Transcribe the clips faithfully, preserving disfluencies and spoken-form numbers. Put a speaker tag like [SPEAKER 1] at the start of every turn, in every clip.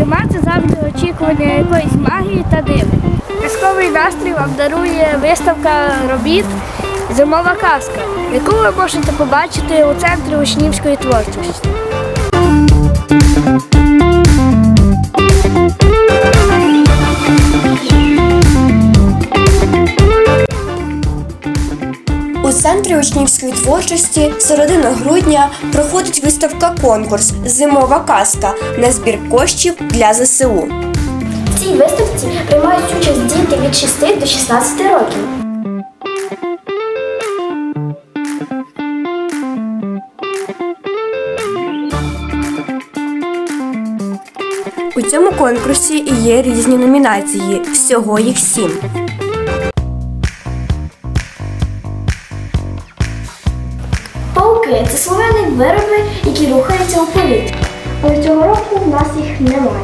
[SPEAKER 1] Зима – це завжди очікування якоїсь магії та дива. Казковий настрій вам дарує виставка робіт «Зимова казка», яку ви можете побачити у Центрі учнівської творчості.
[SPEAKER 2] У Центрі учнівської творчості середину грудня проходить виставка-конкурс «Зимова казка» на збір коштів для зе се у.
[SPEAKER 3] В цій виставці приймають участь діти від шести до шістнадцяти років.
[SPEAKER 2] У цьому конкурсі є різні номінації, всього їх сім.
[SPEAKER 3] Пауки – це слов'яні вироби, які рухаються у повітрі. Але цього року в нас їх немає.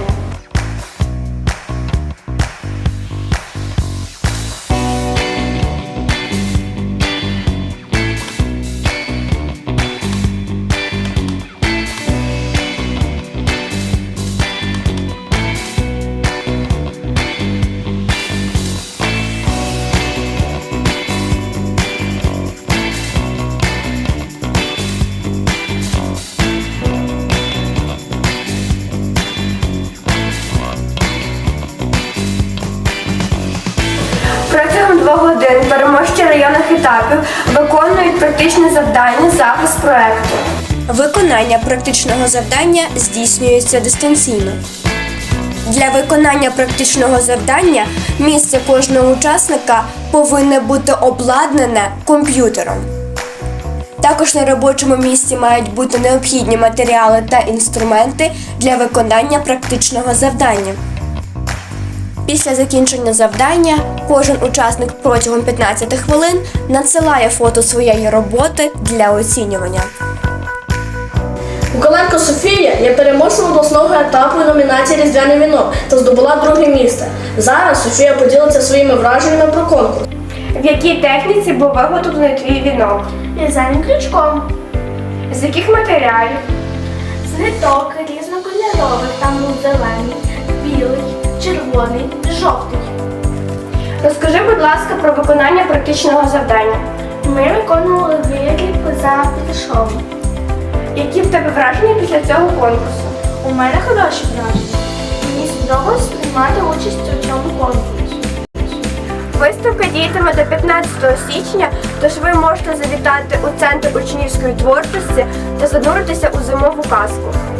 [SPEAKER 2] Протягом двох годин переможці районних етапів виконують практичне завдання захист проекту. Виконання практичного завдання здійснюється дистанційно. Для виконання практичного завдання місце кожного учасника повинне бути обладнане комп'ютером. Також на робочому місці мають бути необхідні матеріали та інструменти для виконання практичного завдання. Після закінчення завдання кожен учасник протягом п'ятнадцяти хвилин надсилає фото своєї роботи для оцінювання.
[SPEAKER 4] Куколенко Софія є переможцем обласного етапу номінації «Різдвяний вінок» та здобула друге місце. Зараз Софія поділиться своїми враженнями про конкурс.
[SPEAKER 2] В якій техніці був виготовлений твій вінок?
[SPEAKER 3] В'язаним крючком.
[SPEAKER 2] З яких матеріалів?
[SPEAKER 3] З ниток різнокольорових, там був зелений, білий, червоний, жовтий.
[SPEAKER 2] Розкажи, будь ласка, про виконання практичного завдання.
[SPEAKER 3] Ми виконували виріб за підшов.
[SPEAKER 2] Які в тебе враження після цього конкурсу?
[SPEAKER 3] У мене хороші враження. Мені сподобалось приймати участь у цьому конкурсі.
[SPEAKER 2] Виставка діятиме до п'ятнадцятого січня, тож ви можете завітати у Центр учнівської творчості та зануритися у зимову казку.